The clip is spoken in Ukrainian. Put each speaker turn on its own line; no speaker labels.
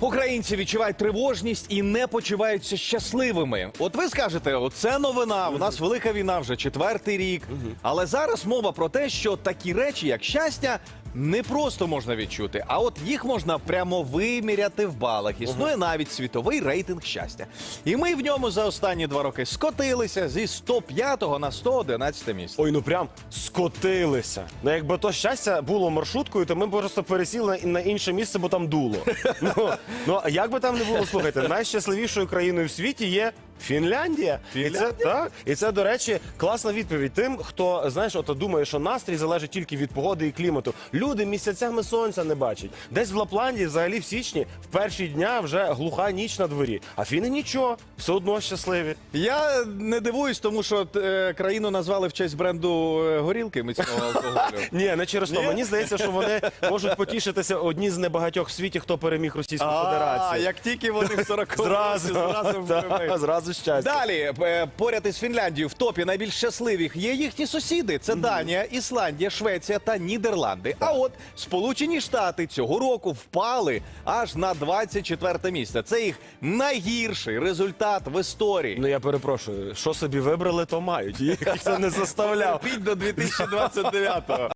Українці відчувають тривожність і не почуваються щасливими. От ви скажете, оце новина, у нас велика війна вже 4-й рік. Але зараз мова про те, що такі речі, як щастя, не просто можна відчути, а от їх можна прямо виміряти в балах. Існує навіть світовий рейтинг щастя. І ми в ньому за останні 2 роки скотилися зі 105-го на 111-те місце.
Ой, ну прям скотилися. Ну якби то щастя було маршруткою, то ми б просто пересіли на інше місце, бо там дуло. Ну, а як би там не було, слухайте, найщасливішою країною в світі є Фінляндія. І це, до речі, класна відповідь тим, хто, знаєш, от думає, що настрій залежить тільки від погоди і клімату. Люди місяцями сонця не бачать. Десь в Лапландії, взагалі в січні, в перші дня вже глуха ніч на дворі. А фіни нічого, все одно щасливі.
Я не дивуюсь, тому що країну назвали в честь бренду горілки міцного алкоголю.
Ні, не через то. Мені здається, що вони можуть потішитися одні з небагатьох в світі, хто переміг Російську Федерацію.
Як тільки вони в 40-му
Зразу щастя.
Далі, поряд із Фінляндією в топі найбільш щасливих є їхні сусіди. Це Данія, Ісландія, Швеція та Нідерланди. А от Сполучені Штати цього року впали аж на 24-те місце. Це їх найгірший результат в історії.
Ну я перепрошую, що собі вибрали, то мають. Їх ніхто не заставляв.
Терпіть до 2029-го.